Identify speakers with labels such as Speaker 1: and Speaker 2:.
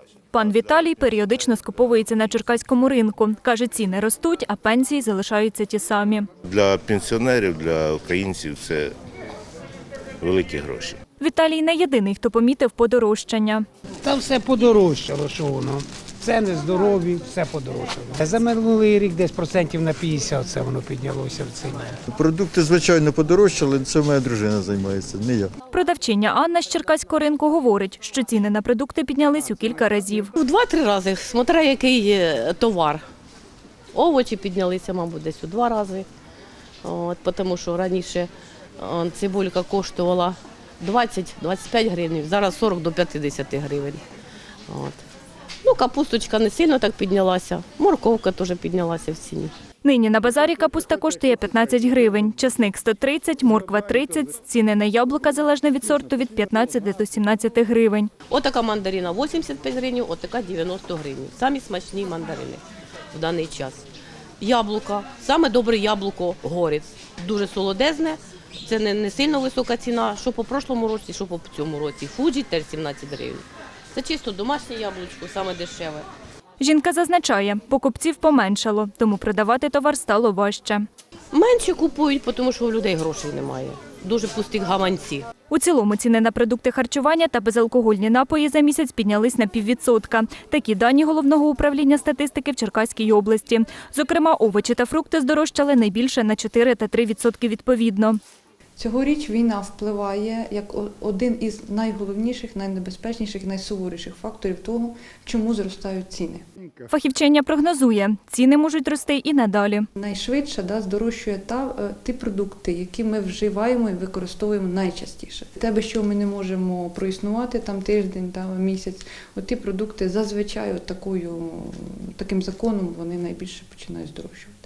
Speaker 1: Пан Віталій періодично скуповується на черкаському ринку. Каже, ціни ростуть, а пенсії залишаються ті самі.
Speaker 2: Для пенсіонерів, для українців це великі гроші.
Speaker 1: Віталій не єдиний, хто помітив подорожчання.
Speaker 3: Та все подорожчало, що воно. Ціни здорові, все подорожчало. За минулий рік десь процентів на 50 це воно піднялося в ціні.
Speaker 4: Продукти, звичайно, подорожчали, це моя дружина займається, не я.
Speaker 1: Продавчиня Анна з черкаського ринку говорить, що ціни на продукти піднялись у кілька разів.
Speaker 5: В 2-3 рази, смотря який товар. Овочі піднялися, мабуть, десь у 2 рази. Тому що раніше цибулька коштувала 20-25 гривень, зараз 40 до 50 гривень. Капусточка не сильно так піднялася, морковка теж піднялася в ціні.
Speaker 1: Нині на базарі капуста коштує 15 гривень, часник – 130, морква – 30, ціни на яблука, залежно від сорту, від 15 до 17 гривень.
Speaker 5: Отака мандарина 85 гривень, отака 90 гривень. Самі смачні мандарини в даний час. Яблука, саме добре яблуко – Горець. Дуже солодезне, це не сильно висока ціна, що по прошлому році, що по цьому році. Фуджі теж 17 гривень. Це чисто домашнє яблучко, саме дешеве.
Speaker 1: Жінка зазначає, покупців поменшало, тому продавати товар стало важче.
Speaker 5: Менше купують, тому що у людей грошей немає. Дуже пусті гаманці.
Speaker 1: У цілому ціни на продукти харчування та безалкогольні напої за місяць піднялись на 0,5%. Такі дані Головного управління статистики в Черкаській області. Зокрема, овочі та фрукти здорожчали найбільше на 4 та 3% відповідно.
Speaker 6: Цьогоріч війна впливає як один із найголовніших, найнебезпечніших, найсуворіших факторів того, чому зростають ціни.
Speaker 1: Фахівчиня прогнозує, ціни можуть рости і надалі.
Speaker 6: Найшвидше здорожчує ті продукти, які ми вживаємо і використовуємо найчастіше. Те, без чого ми не можемо проіснувати тиждень, місяць, ті продукти зазвичай таким законом вони найбільше починають здорожчувати.